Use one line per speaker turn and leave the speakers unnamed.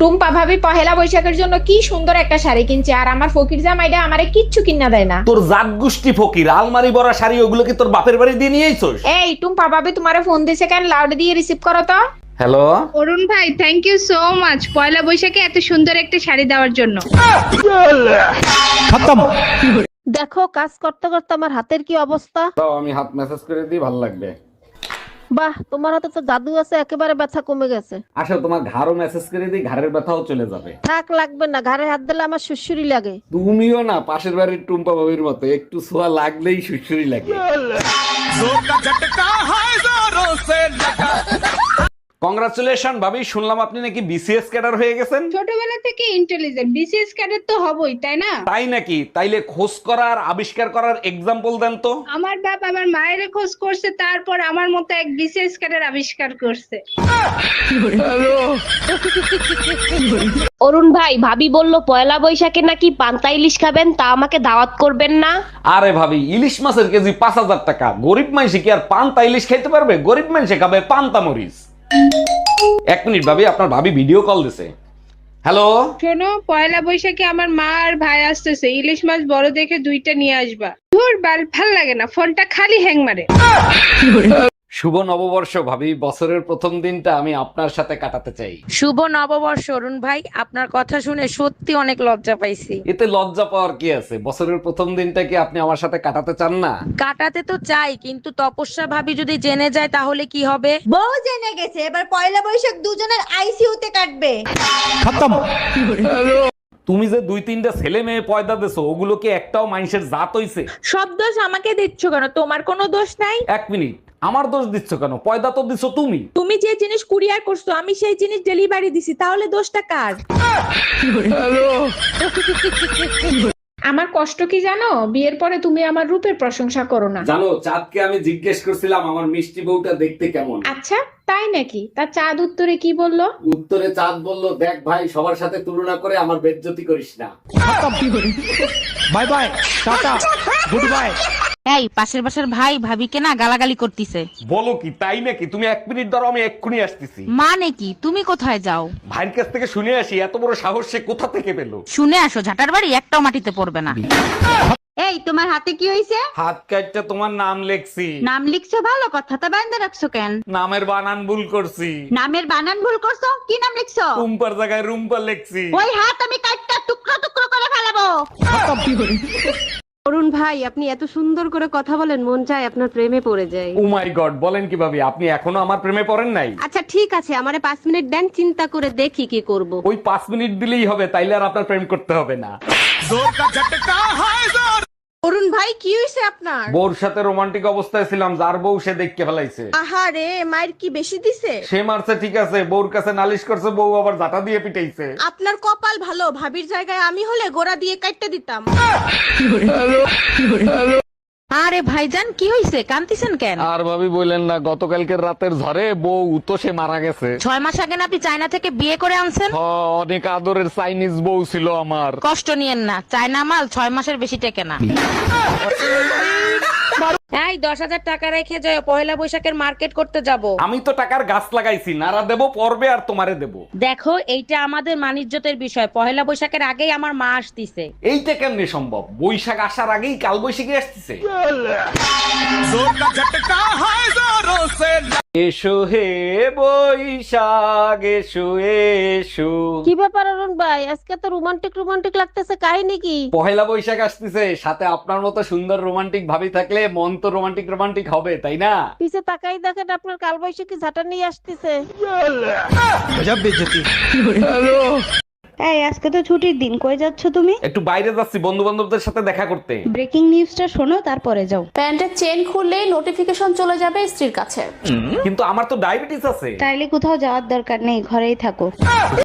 টুম্পা ভাবি পহেলা বৈশাখের জন্য কি সুন্দর একটা শাড়ি কিনছে, আর আমার ফকির জামাইটা আমারে কিচ্ছু কিনা দেয় না।
তোর জাত গোষ্ঠী ফকির, আলমারি ভরা শাড়ি ওগুলো কি তোর বাপের বাড়ি দিয়ে নিয়ে আইছস?
এই টুম্পা ভাবি তোমারে ফোন দিছে কেন? লাউড দিয়ে রিসিভ করো তো।
হ্যালো,
অরুণ ভাই, থ্যাংক ইউ সো মাচ পয়লা বৈশাখে এত সুন্দর একটা শাড়ি দেওয়ার জন্য।
দেখো কাজ করতে করতে আমার হাতের কি অবস্থা।
দাও আমি হাত মেসেজ করে দিই, ভালো লাগবে।
বাহ, তোমার হাতে তো জাদু আছে, একেবারে ব্যথা কমে গেছে।
আসলে তোমার ঘাড়ও মেসেজ করে দিই, ঘাড়ের ব্যথাও চলে যাবে।
থাক, লাগবে না, ঘাড়ে হাত দিলে আমার সুসুরি লাগে।
তুমিও না পাশের বাড়ির টুম্পা বাবির মতো, একটু ছোঁয়া লাগলেই সুসুরি লাগে। কংগ্রাচুলেশন ভাবি, শুনলাম আপনি নাকি বিসিএস ক্যাডার হয়ে গেছেন।
ছোটবেলা থেকে ইন্টেলিজেন্ট, বিসিএস ক্যাডেট তো হবই, তাই না?
তাই নাকি? তাইলে খোঁজ করার আবিষ্কার করার এক্সাম্পল দেন তো।
আমার বাপ আমার মায়ের খোঁজ করছে, তারপর আমার মতো এক বিসিএস ক্যাডেট আবিষ্কার করছে।
অরুণ ভাই, ভাবি বলল পয়লা বৈশাখে নাকি পান্তা ইলিশ খাবেন, তা আমাকে দাওয়াত করবেন না?
আরে ভাবি, ইলিশ মাছের কেজি 5,000 টাকা। গরিব মানুষ কি আর পান্তা ইলিশ খাইতে পারবে? গরিব মানুষে খাবে পান্তা মরিচ। এক মিনিট ভাবি, আপনার ভাবি ভিডিও কল দিছে। হ্যালো,
শোনো, পয়লা বৈশাখে আমার মা আর ভাই আসতেছে, ইলিশ মাছ বড় দেখে 2টা নিয়ে আসবা। ধুর বাল, ভাল লাগে না, ফোনটা খালি হ্যাং মারে।
শুভ নববর্ষ ভাবি, বছরের প্রথম দিনটা আমি আপনার সাথে কাটাতে চাই।
শুভ নববর্ষ অরুণ ভাই, আপনার কথা শুনে সত্যি অনেক লজ্জা পাইছি।
এতে লজ্জা পাওয়ার কি আছে? বছরের প্রথম দিনটা কি আপনি আমার সাথে কাটাতে চান না?
কাটাতে তো চাই, কিন্তু তপস্যা ভাবি যদি জেনে যায় তাহলে কি হবে?
বউ জেনে গেছে, এবার পয়লা বৈশাখ দুজনের আইসিইউতে কাটবে।
তুমি যে 2-3টা ছেলে মেয়ে পয়দা দেছো, ওগুলো কি একটাও মানুষের জাত হইছে?
সব দোষ আমাকে দিচ্ছ কেন? তোমার কোনো দোষ নাই।
এক মিনিট, আমার দোষ দিচ্ছ কেন? পয়দা তো দিছো তুমি।
তুমি যে জিনিস কুরিয়ার করছো আমি সেই জিনিস ডেলিভারি দিছি, তাহলে দোষটা কার? আমার কষ্ট কি জানো? বিয়ের পরে তুমি আমার রূপের প্রশংসা করো না।
জানো, চাঁদকে আমি জিজ্ঞেস করছিলাম আমার মিষ্টি বউটা দেখতে কেমন।
আচ্ছা, তাই নাকি? তা চাঁদ উত্তরে কি বললো?
উত্তরে চাঁদ বলল, দেখ ভাই, সবার সাথে তুলনা করে আমার বেজ্জতি করিস না।
Bye bye, tata, good bye.
এই পাশের বাসার ভাই ভাবিকে না গালাগালি করতিছে।
বলো কি, তাই নাকি? তুমি 1 মিনিট ধরো, আমি এক্ষুনি আসতেছি।
মানে কি, তুমি কোথায় যাও?
ভাইয়ের কাছ থেকে শুনে আসি, এত বড় সাহস সে কোথা থেকে পেলো।
শুনে আসো, ঝাটার বাড়ি একটাও মাটিতে পড়বে না।
এই তোমার হাতে কি হইছে?
হাত কাটটা তোমার নাম লেখছি।
নাম লিখছো, ভালো কথা, তা বাইন্দা রাখছো কেন?
নামের বানান ভুল করছি।
নামের বানান ভুল করছো? কি নাম লিখছো?
রুম্পার জায়গায় রুম্পা লেখছি।
ওই হাত আমি কাটটা টুকরো টুকরো করে ফেলাবো।
অরুণ ভাই, আপনি এত সুন্দর করে কথা বলেন, মন চায় আপনার প্রেমে পড়ে যায়।
ও মাই গড, বলেন কি ভাবি, আপনি এখনো আমার প্রেমে পড়েন নাই?
আচ্ছা ঠিক আছে, আমারে 5 মিনিট দেন, চিন্তা করে দেখি কি করব।
ওই 5 মিনিট দিলেই হবে, তাইলে আর আপনার প্রেম করতে হবে না।
অরুণ ভাই, কি হইছে আপনার?
বউর সাথে রোমান্টিক অবস্থায় ছিলাম, যার বউ সে দেখতে ফেলাইছে।
আহারে, মায়ের কি বেশি দিছে?
সে মারছে ঠিক আছে, বউর কাছে নালিশ করছে, বউ আবার জাটা দিয়ে পিটাইছে।
আপনার কপাল ভালো, ভাবির জায়গায় আমি হলে গোড়া দিয়ে কাটতে দিতাম।
আরে ভাইজান, কি হইছে? কান্তিছেন কেন?
আর ভাবি বললেন না, গতকালকের রাতের ঝড়ে বউ তো সে মারা গেছে।
6 মাস আগে না আপনি চায়না থেকে বিয়ে করে আনছেন?
অনেক আদরের চাইনিজ বউ ছিল আমার।
কষ্ট নিয়েন না, চায়না মাল 6 মাসের বেশি টেকে না। এই 10,000 টাকা রেখে যাও, পয়লা বৈশাখের মার্কেট করতে যাব।
আমি তো টাকার গাছ লাগাইছি, নারা দেবো পর্বে আর তোমারে দেবো।
দেখো, এইটা আমাদের মানিজ্যতের বিষয়, পয়লা বৈশাখের আগেই আমার মা আসতিছে।
এইটা কেমনে সম্ভব? বৈশাখ আসার আগেই কাল বৈশাখী আসতেছে। এসো হে বৈশাখ এসো এসো।
কি ব্যাপার অরুণ ভাই, আজকে তো রোমান্টিক রোমান্টিক লাগতেছে, কাহিনী কি?
পহেলা বৈশাখ আসতেছে, সাথে আপনার মতো সুন্দর রোমান্টিক ভাবি থাকলে মন তো রোমান্টিক রোমান্টিক হবে, তাই না?
পিছে তাকাই দেখেন, আপনার কালবৈশাখী ঝাঁটা নিয়ে আসতেছে।
গজব বেইজ্জতি।
এই আজকে তো ছুটির দিন, কই যাচ্ছ তুমি?
একটু বাইরে যাচ্ছি বন্ধু বান্ধবদের সাথে দেখা করতে।
ব্রেকিং নিউজটা শোনো, তারপরে যাও।
প্যান্টের চেন খুললেই নোটিফিকেশন চলে যাবে স্ত্রীর কাছে।
কিন্তু আমার তো ডায়াবেটিস আছে।
তাইলে কোথাও যাওয়ার দরকার নেই, ঘরেই থাকো।